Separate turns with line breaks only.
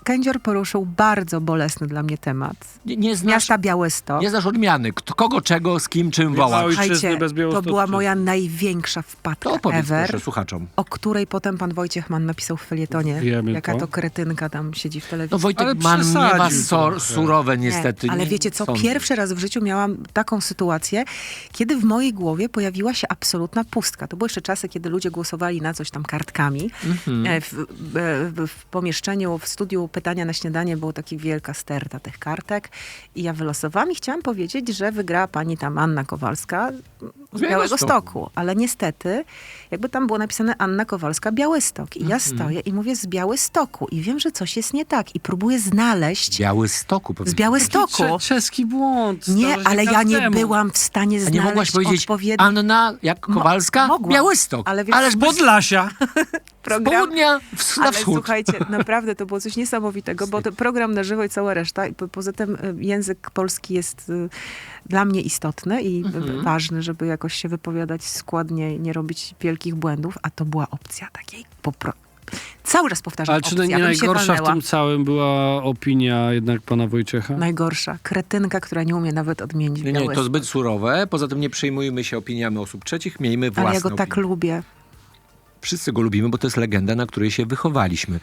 Kędzior poruszył bardzo bolesny dla mnie temat.
Nie znasz,
Miasta Białystok.
nie znasz odmiany. Kogo, czego, z kim, czym wołać.
Ojczyzny
Słuchajcie,
bez
to
Białostocczyzny.
była moja największa
To
wpadka
opowiedz
ever,
proszę słuchaczom.
o której potem pan Wojciech Mann napisał w felietonie.
Wiemy
Jaka
to.
to kretynka tam siedzi w telewizji.
No Wojtek
Ale
Mann miewa
przesadził trochę.
surowe
Nie,
niestety.
ale
nie
wiecie co,
sądzę.
pierwszy raz w życiu miałam taką sytuację, kiedy w mojej głowie pojawiła się absolutna pustka. To były jeszcze czasy, kiedy ludzie głosowali na coś tam kartkami. W pomieszczeniu, w studiu Pytania na śniadanie było taka wielka sterta tych kartek i ja wylosowałam i chciałam powiedzieć, że wygrała pani tam Anna Kowalska z Białegostoku. Ale niestety, jakby tam było napisane Anna Kowalska Białystok. I ja stoję i mówię z Białystoku i wiem, że coś jest nie tak i próbuję znaleźć
Białystoku
z
powiedziałem.
Białystoku.
Czeski błąd.
Nie,
zdarza się
ale ja nie
każdemu.
byłam w stanie
A nie
znaleźć
mogłaś powiedzieć
odpowiedni
Anna jak Kowalska?
mogłam.
Białystok.
Ale wiesz,
Ależ
Podlasia.
z południa na
Ale
wschód.
słuchajcie, naprawdę to było coś niesamowitego, bo to program na żywo i cała reszta. I poza tym język polski jest dla mnie istotny i ważny, żeby jakoś się wypowiadać składnie i nie robić wielkich błędów, a to była opcja takiej cały czas powtarzam
Ale czy
opcja,
nie
bym się
najgorsza w
walnęła.
tym całym była opinia jednak pana Wojciecha?
Najgorsza. Kretynka, która nie umie nawet odmienić
Nie, to
Białystok.
zbyt surowe. Poza tym nie przejmujmy się opiniami osób trzecich, miejmy własne
Ale ja go tak
opinie.
lubię.
Wszyscy go lubimy, bo to jest legenda, na której się wychowaliśmy.